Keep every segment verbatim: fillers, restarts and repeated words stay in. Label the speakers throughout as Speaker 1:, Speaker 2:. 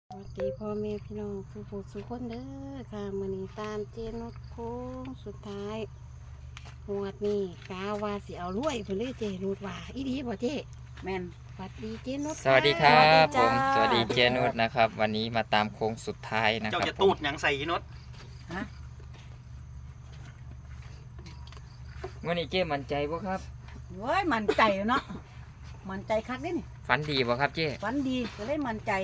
Speaker 1: สวัสดีพ่อแม่พี่น้องสุขสุขคนเด้อค่ะมื้อนี้ตามเจนุชโค้งสุดท้ายหวดนี้กาว่าสิเอารวยเพิ่นเลยเจนุชว่าอีดีบ่เจแม่นสวัสดีเจนุช
Speaker 2: สวัสดีครับ
Speaker 1: ส
Speaker 2: ผ
Speaker 1: วัส
Speaker 2: ม
Speaker 1: ดี
Speaker 2: ส
Speaker 1: จ้า
Speaker 2: วัสดีเจนุชนะครับ วันนี้มาตามโค้งสุดท้ายนะค
Speaker 3: เจ้า
Speaker 2: รับ
Speaker 3: จะ
Speaker 2: ผ
Speaker 3: ตู
Speaker 2: ม
Speaker 3: ดหยังใส่ยีนด
Speaker 1: ฮะ
Speaker 2: วันนี้เจมั่นใจบ่ครับ
Speaker 4: เว้ยมันใจเนาะมันใจคักนี่นี่
Speaker 2: ฝันดีบ่ครับเจ
Speaker 4: ฝันดีก็เลยมันใจ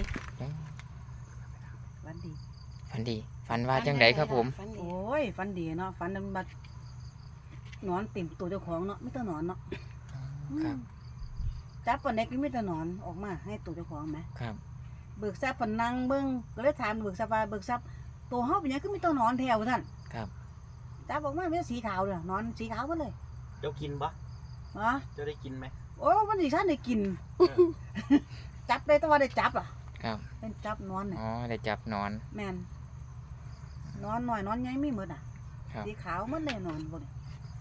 Speaker 4: ฝันดี
Speaker 2: ฝันดีฝันว่าจังไดครับผม
Speaker 1: ฝันดี
Speaker 4: โอ้ยฝันดีเนาะฝันมันบัดนอนติ่มตัวเจ้าของเนาะไม่ต้องนอนเนาะ
Speaker 2: ครับ
Speaker 4: จับปนเด็กไม่ต้องนอนออกมาให้ตัวเจ้าของไหม
Speaker 2: ครับ
Speaker 4: เบิกทรัพย์ปนนั่งเบิ้งก็เลยถามเบิกทรัพย์ว่าเบิกทรัพย์ตัวเฮาเป็นหยังก็ไม่ต้องนอนแถวท่าน
Speaker 2: ครับ
Speaker 4: จับออกมาเป็นสีขาวเลยนอนสีขาวหมดเลย
Speaker 3: เจ้ากินปะ
Speaker 4: ฮะ
Speaker 3: เจ้าได้กินไหม
Speaker 4: โอ้วันนี้ท่านได้กิน
Speaker 3: เออ
Speaker 4: จับได้แต่ว่าได้จับอ่ะ
Speaker 2: ครับ
Speaker 4: เป็นจับนอนเนี่ย
Speaker 2: อ๋อได้จับนอน
Speaker 4: แม่นนอนหน่อยนอนใหญ่ไม่หมดอ่ะ
Speaker 2: ครับ
Speaker 4: สีขาวหมันเลยนอนบน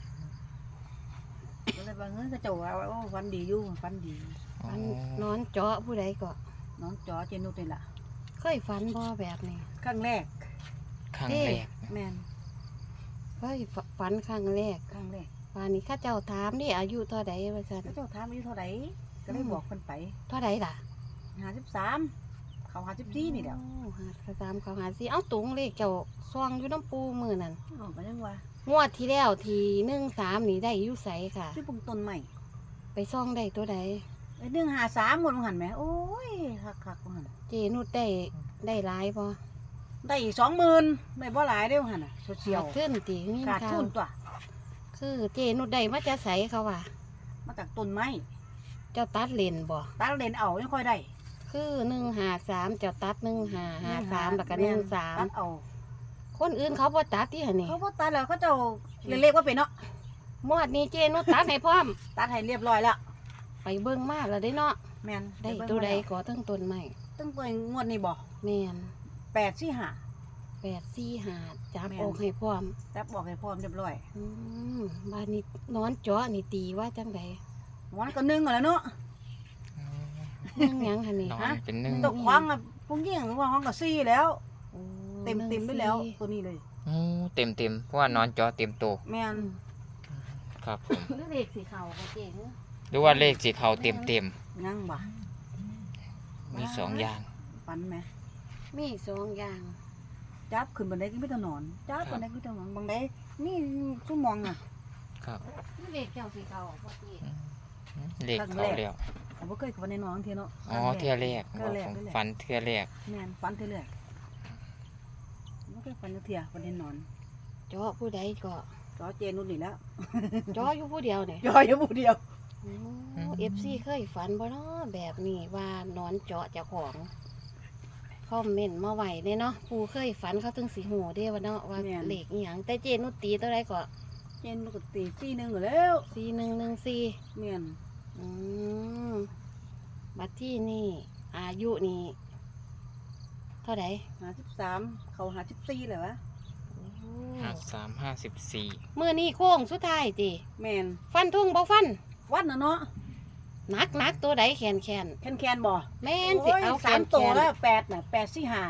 Speaker 4: ก็เลยว่าเฮ้ยกระเจ้าว่าโอ้ฟันดีอยู่ฟันดี
Speaker 2: อ๋อ
Speaker 1: ฝันนอนเจาะผู้ใดก็
Speaker 4: นอนจอเจนุชนี่ล่ะ
Speaker 1: เคยฝันบ่แบบนี้
Speaker 4: ครั้งแรก
Speaker 2: ครั้งแรก
Speaker 4: แม่น
Speaker 1: เคยฝันครั้งแรก
Speaker 4: ครั้งแรก
Speaker 1: ว่านี่ข้าเจ้าถามนี่อายุเท่าใดว่าซั่น
Speaker 4: กระเจ้าถามอายุเท่าไหร่ก็เลยบอกคนไป
Speaker 1: เท่าใดล่ะ
Speaker 4: ห้าสิบสามเขาห้าสิบสี่นี่เดียว
Speaker 1: โอ้หาสามเขาหาสิเอาตุงเลขเจ้าซองอยู่น้ำปูมือนั่น
Speaker 4: อ๋อก็ยังว่าง
Speaker 1: วดที่แล้วทีหนึ่งสามนี่ได้อยุใสค่ะ
Speaker 4: ชื่อปุ่งต้นใหม่
Speaker 1: ไปซ่องได้ตัวใด
Speaker 4: ไอ้เรื่องหาสามคนหันไหมโอ้ยคักคักหัน
Speaker 1: เจนุดได้ได้หลายปะ
Speaker 4: ได้อีกสองหมื่นได้บ่หลายเด้อหันอ่ะเชียว
Speaker 1: ขึ้นตีนี่
Speaker 4: ขาด
Speaker 1: ค่ะ
Speaker 4: ทุนตัว
Speaker 1: คือเจนุดได้มาจะใสเขาว่า
Speaker 4: มาจากต้นไม้
Speaker 1: เจ้าตัดเลนบ่
Speaker 4: ตาเลนเอาไม่ค่อยได้
Speaker 1: คือหนึ่งหาสามเจ้าตัดหนึ่งหาหาสามแล้วก็หนึ่งสาม
Speaker 4: ตัดเอา
Speaker 1: คนอื่นเขาบ่ตัดที่หันนี่
Speaker 4: เขาพอตัดแล้วเขาเจ้าเรียกว่าเป็นเนาะ
Speaker 1: หมวดนี้เจนุดตัดให้พร้อม
Speaker 4: ตัดให้เรียบร้อยแล้ว
Speaker 1: ไปเบิ่งมาแล้วได้เนาะ
Speaker 4: แมน
Speaker 1: ได้ตัวใดก็ทั้งต้นใหม่
Speaker 4: ตั้งตัวงวดนี่บอก
Speaker 1: แม่น
Speaker 4: แปดสี่หา
Speaker 1: แปดสี่หาจับ
Speaker 4: แม่น
Speaker 1: ออกให้พร้อม
Speaker 4: จับบอกให้พร้อมเรียบร้อย
Speaker 1: อืมบ้านนี้นอนเจาะนี่ตีว่าจังได
Speaker 4: วันก็นึ่งแล้วเนาะ
Speaker 1: นึ่งหยังหันนี่
Speaker 2: นอน
Speaker 4: ฮะ
Speaker 2: เป็นหนึ่ง
Speaker 4: ตกคว้างอ่ะพุ่งยิ่งว่าห้องก็ซี่แล้ว
Speaker 1: โอ้
Speaker 4: เต็มเต็มไปแล้ว ตัวนี้เลย
Speaker 2: โอ้เต็มเต็มเพราะว่านอนจอเต็มโต
Speaker 4: แมน
Speaker 2: ครับผม
Speaker 1: หรือเด็กสีขาวก็เจ๋ง
Speaker 2: หรือว่าเลขสีเขาเต็มเต็ม
Speaker 4: นั่งบ่
Speaker 2: มีสองอย่าง
Speaker 4: ปันไหม
Speaker 1: มีสองอย่าง
Speaker 4: จับขึ้นบันไดก็ไม่ต้องนอนจับบันไดก็ไม่ต้องนอนบันไดนี่ชั่วโมงอ่ะ
Speaker 2: ครับ
Speaker 1: หรือเด็กเจ้าสีขาวก็เจ๋ง
Speaker 2: เลขเขาแล้ว
Speaker 4: ผมก็เคยกับวันในนอนเทียเนาะ
Speaker 2: อ๋อเทื่อแรก
Speaker 4: เทื่อแรก
Speaker 2: ผม
Speaker 4: เทื่อแรก
Speaker 2: ฝันเทื่อแรก
Speaker 4: แมนฟันเทียเลยไม่เคยฟันเทียวันในนอน
Speaker 1: เจาะผู้ใดก็
Speaker 4: จอเจนุ่นนี่แล้ว
Speaker 1: เจาะอยู่ผู้เดียวเนี่ย
Speaker 4: จออยู่ผู้เดียว
Speaker 1: เอฟซีเคยฝันบ่เนาะแบบนี้ว่านอนเจาะเจ้าของคอมเมนต์มาไหวเนี่ยเนาะผู้เคยฝันเขาถึงสีหูเด้ว่าเนาะว่าเลขอีหยังแต่เจนุตตีตัวใดก็
Speaker 4: เจนปกติสี่หนึ่งอยู่แล้ว
Speaker 1: สี่หนึ่งหนึ่งสี่
Speaker 4: เมียน
Speaker 1: อืมบัดที่นี่อายุนี่เท่าไหร่
Speaker 4: หาสิบสามเขาหาสิบสี่เลยวะ
Speaker 2: ห้าสามห้าสิบสี่
Speaker 1: เมื่อนี้โค้งสุดท้ายติ
Speaker 4: แมน
Speaker 1: ฟันทุ่งบ่ฟัน
Speaker 4: วัดนะเนาะ
Speaker 1: หนักหนักตัวใดแขนแขน
Speaker 4: แคนแคนบ่
Speaker 1: แม่นสิ
Speaker 4: โย
Speaker 1: เอาแข
Speaker 4: สาม
Speaker 1: น
Speaker 4: ตัว
Speaker 1: แขน
Speaker 4: แล้วแปดน่ะแปดสี่ห้าม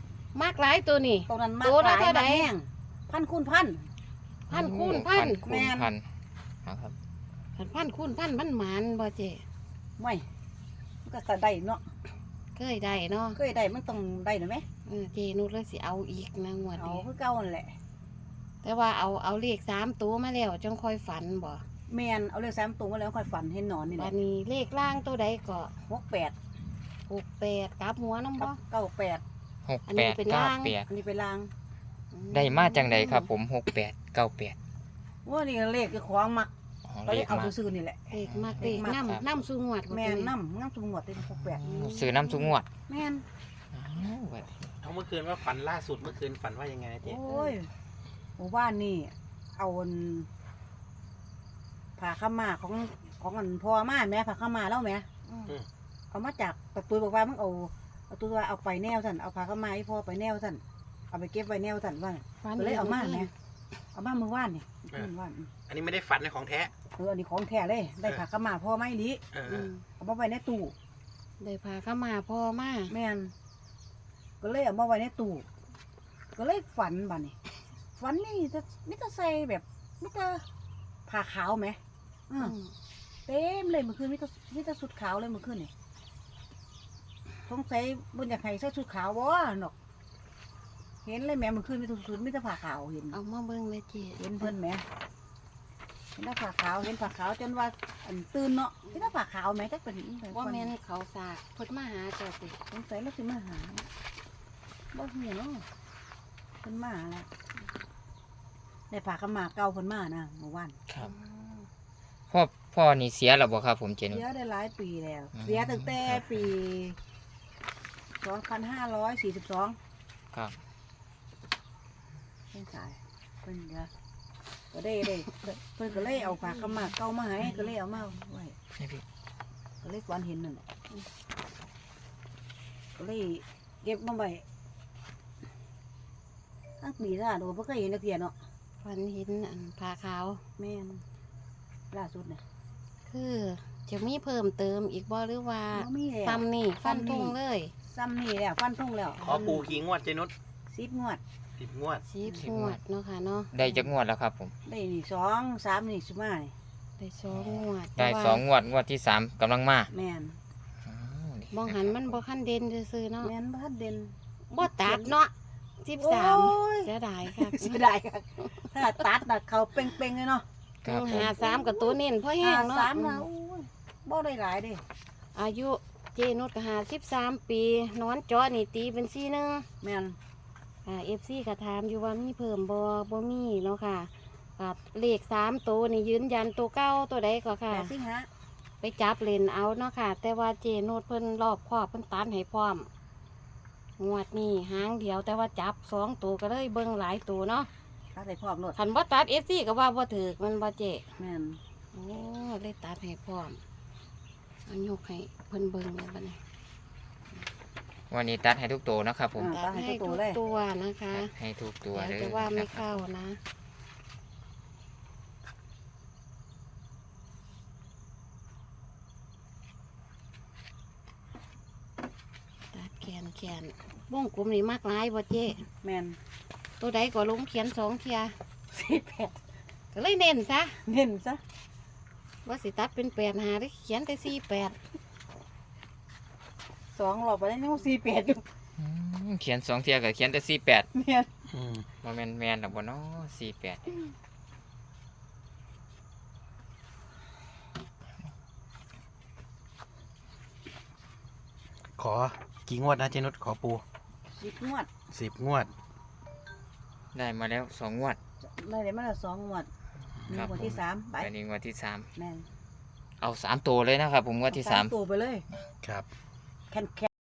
Speaker 1: ากหลายตัวนี่
Speaker 4: ตรงนั้นมาก
Speaker 1: ตัวละ
Speaker 4: หลาย
Speaker 1: เท่าใด
Speaker 4: แห้งพันคูณพัน
Speaker 1: พันคูณพัน
Speaker 2: คู
Speaker 4: แม่
Speaker 2: ณ
Speaker 4: น
Speaker 2: พันนะครับ
Speaker 1: พันพันคูณพันมันหมานบ่เจ
Speaker 4: ไม่มันก็จะได้เนาะ
Speaker 1: เคยได้เนาะ
Speaker 4: เคยได้มันต้องได้หรือไหม
Speaker 1: เออเจนุชเลยสิเอาอีกนะงวด
Speaker 4: เอา
Speaker 1: นี้
Speaker 4: คือเก่านั่นแหละ
Speaker 1: แต่ว่าเอาเอาเลขสามตัวมาแล้วจังค่อยฝันบ่
Speaker 4: แมนเอาเลขสามตัวมาแล้วค่อยฝันเห็นหนอนนี่แห
Speaker 1: บั
Speaker 4: ละ
Speaker 1: ดนี้เลขล่างตัวใดก็
Speaker 4: หกแปด
Speaker 1: หกแปดกลับหัวน้ำ
Speaker 4: กั
Speaker 1: บ่
Speaker 4: บเก้าแปด
Speaker 2: หก
Speaker 1: อันนี้
Speaker 2: แปด
Speaker 1: เป็น
Speaker 2: เก้า
Speaker 1: ล่าง
Speaker 2: แปด
Speaker 4: อันนี้เป็นลาง
Speaker 2: ได้มาจังใดครับผมหกแปดเก้าแปด
Speaker 4: ว่านี่เลขคือของมัก
Speaker 2: อ๋อ
Speaker 4: ก็
Speaker 2: เล
Speaker 4: เลย
Speaker 2: ข
Speaker 4: เอา
Speaker 2: มา
Speaker 4: ซื้อๆนี่แหละ
Speaker 1: เลขมากเลข
Speaker 4: เลขมาก
Speaker 1: น้ำน้ำสูงวดบ่
Speaker 4: แม
Speaker 1: ตัวน นี้
Speaker 4: น้ำน้ำจุงหมวดเป็นหกแปด
Speaker 2: ซื้อน้ำทุกงวด
Speaker 4: แมน
Speaker 2: อ้าวเว้ย
Speaker 3: เอาเมื่อคืนว่าฝันล่าสุดเมื่อคืนฝันว่ายังไงเจ๊
Speaker 4: โอ้ยหมู่บ้านนี่เอาอันผ่าข้ามาของของอันพ่อมาแม่ผ่าข้ามาแล้วแม่เอามาจากประตูบอกว่ามึงเอาประตูว่าเอาไปแนวท่านเอาผ่าข้ามาให้พ่อไปแนวท่านเอาไปเก็บไว้แนวท่านว่า
Speaker 1: ฝัน
Speaker 4: ก็เลยเอามา
Speaker 1: ดี
Speaker 4: แม่เอามาเมื่อวานนี่เมื่อวาน
Speaker 3: อันนี้ไม่ได้ฝันในของแท้
Speaker 4: เอออันนี้ของแท้เลยได้ผ่าข้ามาพ่อไม่ลี
Speaker 3: เออ
Speaker 1: อืม
Speaker 4: เอามาไว้ในตู้
Speaker 1: ได้พาเข้ามาพ่อมา
Speaker 4: แม่นก็เลยเอามาไว้ในตู้ก็เลยฝันบัดนี้ฝันนี่จะมิจะใส่แบบมิจะผ้าขาวไหมอืม
Speaker 1: อืม
Speaker 4: เต็มเลยเมื่อคืนมิจะมิจะสุดขาวเลยเมื่อคืนนี่สงสัยบนอยากให้ใส่ชุดขาวบ่หนอกเห็นเลยแหม่เมื่อคืนมิจะสุดมิจะผ้าขาวเห็น
Speaker 1: เอามาเบิ่งเลยเจ๊
Speaker 4: เห็นเพิ่นแหม่เห็นหน้าผ้าขาวเห็นผ้าขาวจนว่าอันตื่นเนาะเห็นหน้าผ้าขาวไหมจักเป็น
Speaker 1: ว่าแม่นเขาสากเพิ่นมาหาเจ้าติ
Speaker 4: สงสัยเราสิมาหาบ่เห็นเนาะเพิ่นมาแล้วในผ้าขาวมาเก่าเพิ่นมานะเมื่อวาน
Speaker 2: ครับ
Speaker 1: อืม
Speaker 2: พ่อพ่อนี่เสียแล้วบ่ครับผมเจนุ
Speaker 4: เสี
Speaker 2: ช
Speaker 4: ยได้หลายปีแล้ว
Speaker 2: อืม
Speaker 4: เสียตั้งแต่ปีสองพันห้าร้อยสี่สิบสอง
Speaker 2: ครับ
Speaker 4: เพิ่นตายเพิ่นเดี๋ยวก็ได้ได้เพิ่นก็เลยเอาผ้าขาวมาเก่ามาให้ก็เลยเอามาไว้
Speaker 2: นี่พี่
Speaker 4: ก็เลยฝันเห็นนั่นแหละก็เลยเก็บมาไว้ตั้งปีละโดบ่เคยเห็นนักเรียนเนาะ
Speaker 1: ฝันเห็นอันผ้าขาว
Speaker 4: แม่นล่าสุดเนี่ย
Speaker 1: คือจะมีเพิ่มเติมอีกบ่หรือว่า
Speaker 4: บ่มีแล้ว
Speaker 1: ซ้ำนี่ฟัน
Speaker 4: ซ้ำนี่
Speaker 1: ทงเลย
Speaker 4: ซ้ำนี่แล้วฟันทุ่งแล้ว
Speaker 3: ขอปูกี่งวดเจนุช
Speaker 4: สิบงวด
Speaker 3: สิบงวด
Speaker 1: ชีพงวดเนาะค่ะเนาะ
Speaker 2: ได้จักงวดแล้วครับผม
Speaker 4: ได้นี่สองสามนี่สิมานี่
Speaker 1: ได้สองงวด
Speaker 2: ได้
Speaker 1: แต่ว่า
Speaker 2: สองงวดงวดที่สามกำลังมา
Speaker 4: แม่น
Speaker 2: อ๋อนี่
Speaker 1: มองหันมันบ่คันเด่นซื่อๆเนาะ
Speaker 4: แม่นบ่ทันเด่น
Speaker 1: บ่ตัดเนาะสิบสาม
Speaker 4: โอ้ย
Speaker 1: เสียดายค่ะ
Speaker 4: เสียดายค่ะถ้าตัดน่ะเขาเป่งๆเลยเนาะ
Speaker 2: ครับผม
Speaker 1: หาสามกับตัวเน้นพ่อแห้งเนาะ
Speaker 4: สามนะโอ้ยบ่ได้หลายเด้
Speaker 1: อายุเจนุชก็หาสิบสามปีนอนจอนี่ตีเป็นสี่หนึ่ง
Speaker 4: แม่น
Speaker 1: อ่าเอฟซีก็ถามอยู่ว่ามีเพิ่มบ่บ่มีเนาะค่ะกับเลขสามตัวนี่ยืนยันตัวเก้าตัวใดก็ค่ะ
Speaker 4: แปดสิงหา
Speaker 1: ไปจับเลนเอาเนาะค่ะ แต่ว่าเจนุชเพิ่นรอบครอบเพิ่นตันให้พร้อมงวดนี้หางเดียวแต่ว่าจับสองตัวก็เลยเบิ่งหลายตัวเนาะ
Speaker 4: ตัดให้พร้อมโลด
Speaker 1: คันบ่ตัดเอฟซีก็ว่าบ่ถือมันบ่เจ
Speaker 4: แม่น
Speaker 1: โอ้เลยตัดให้พร้อมเอายกให้เพิ่นเบิ่งเลยบัดนี้
Speaker 2: วันนี้ตัดให้ทุกตัวนะครับผม
Speaker 4: อ่า
Speaker 1: ตั
Speaker 4: ตั
Speaker 1: ด
Speaker 4: ดให้
Speaker 1: ให้
Speaker 4: ตั
Speaker 1: ทุ
Speaker 4: ว
Speaker 1: ก
Speaker 4: เลย
Speaker 1: ตัวนะคะ
Speaker 2: ตัดให้ทุกตัว
Speaker 1: เดี๋
Speaker 2: เลย
Speaker 1: วย จะว่าไม่
Speaker 2: นะครับ
Speaker 1: เข้านะ ตัดแขนแขนวงกลมนี่มากหลายบ่เจ๊
Speaker 4: แม่น
Speaker 1: ตัวใดก็ลงเขียนสองเทีย
Speaker 4: สิบแปด
Speaker 1: ก็เลยเน้นซะ
Speaker 4: เน้นซะ
Speaker 1: ว่าสิตัดเป็นแปดหาได้เขียนแต่สี่แปด
Speaker 4: สองรอบไปได้ยังสี่แปดอยู่
Speaker 2: อืมเขียนสองเทียกับเขียนแต่สี่แปด
Speaker 4: แม่น
Speaker 3: อืม
Speaker 2: มาแมนแมนหรอกบ่เนาะสี่แปด
Speaker 3: ขอกี่งวดนะเจนุชขอปู
Speaker 4: สิบงวด
Speaker 3: สิบงวด
Speaker 2: ได้มาแล้วสองงวด
Speaker 4: ได้เลยมาแล้วสองงวดมี
Speaker 2: ครับ
Speaker 4: งวดที่
Speaker 2: ผม
Speaker 4: สามไป
Speaker 2: อันนี้งวดที่สาม
Speaker 4: แม่น
Speaker 2: เอาสามตัวเลยนะครับผมงวดที่สาม
Speaker 4: ตัวไปเลย
Speaker 3: ครับ
Speaker 4: แคนแค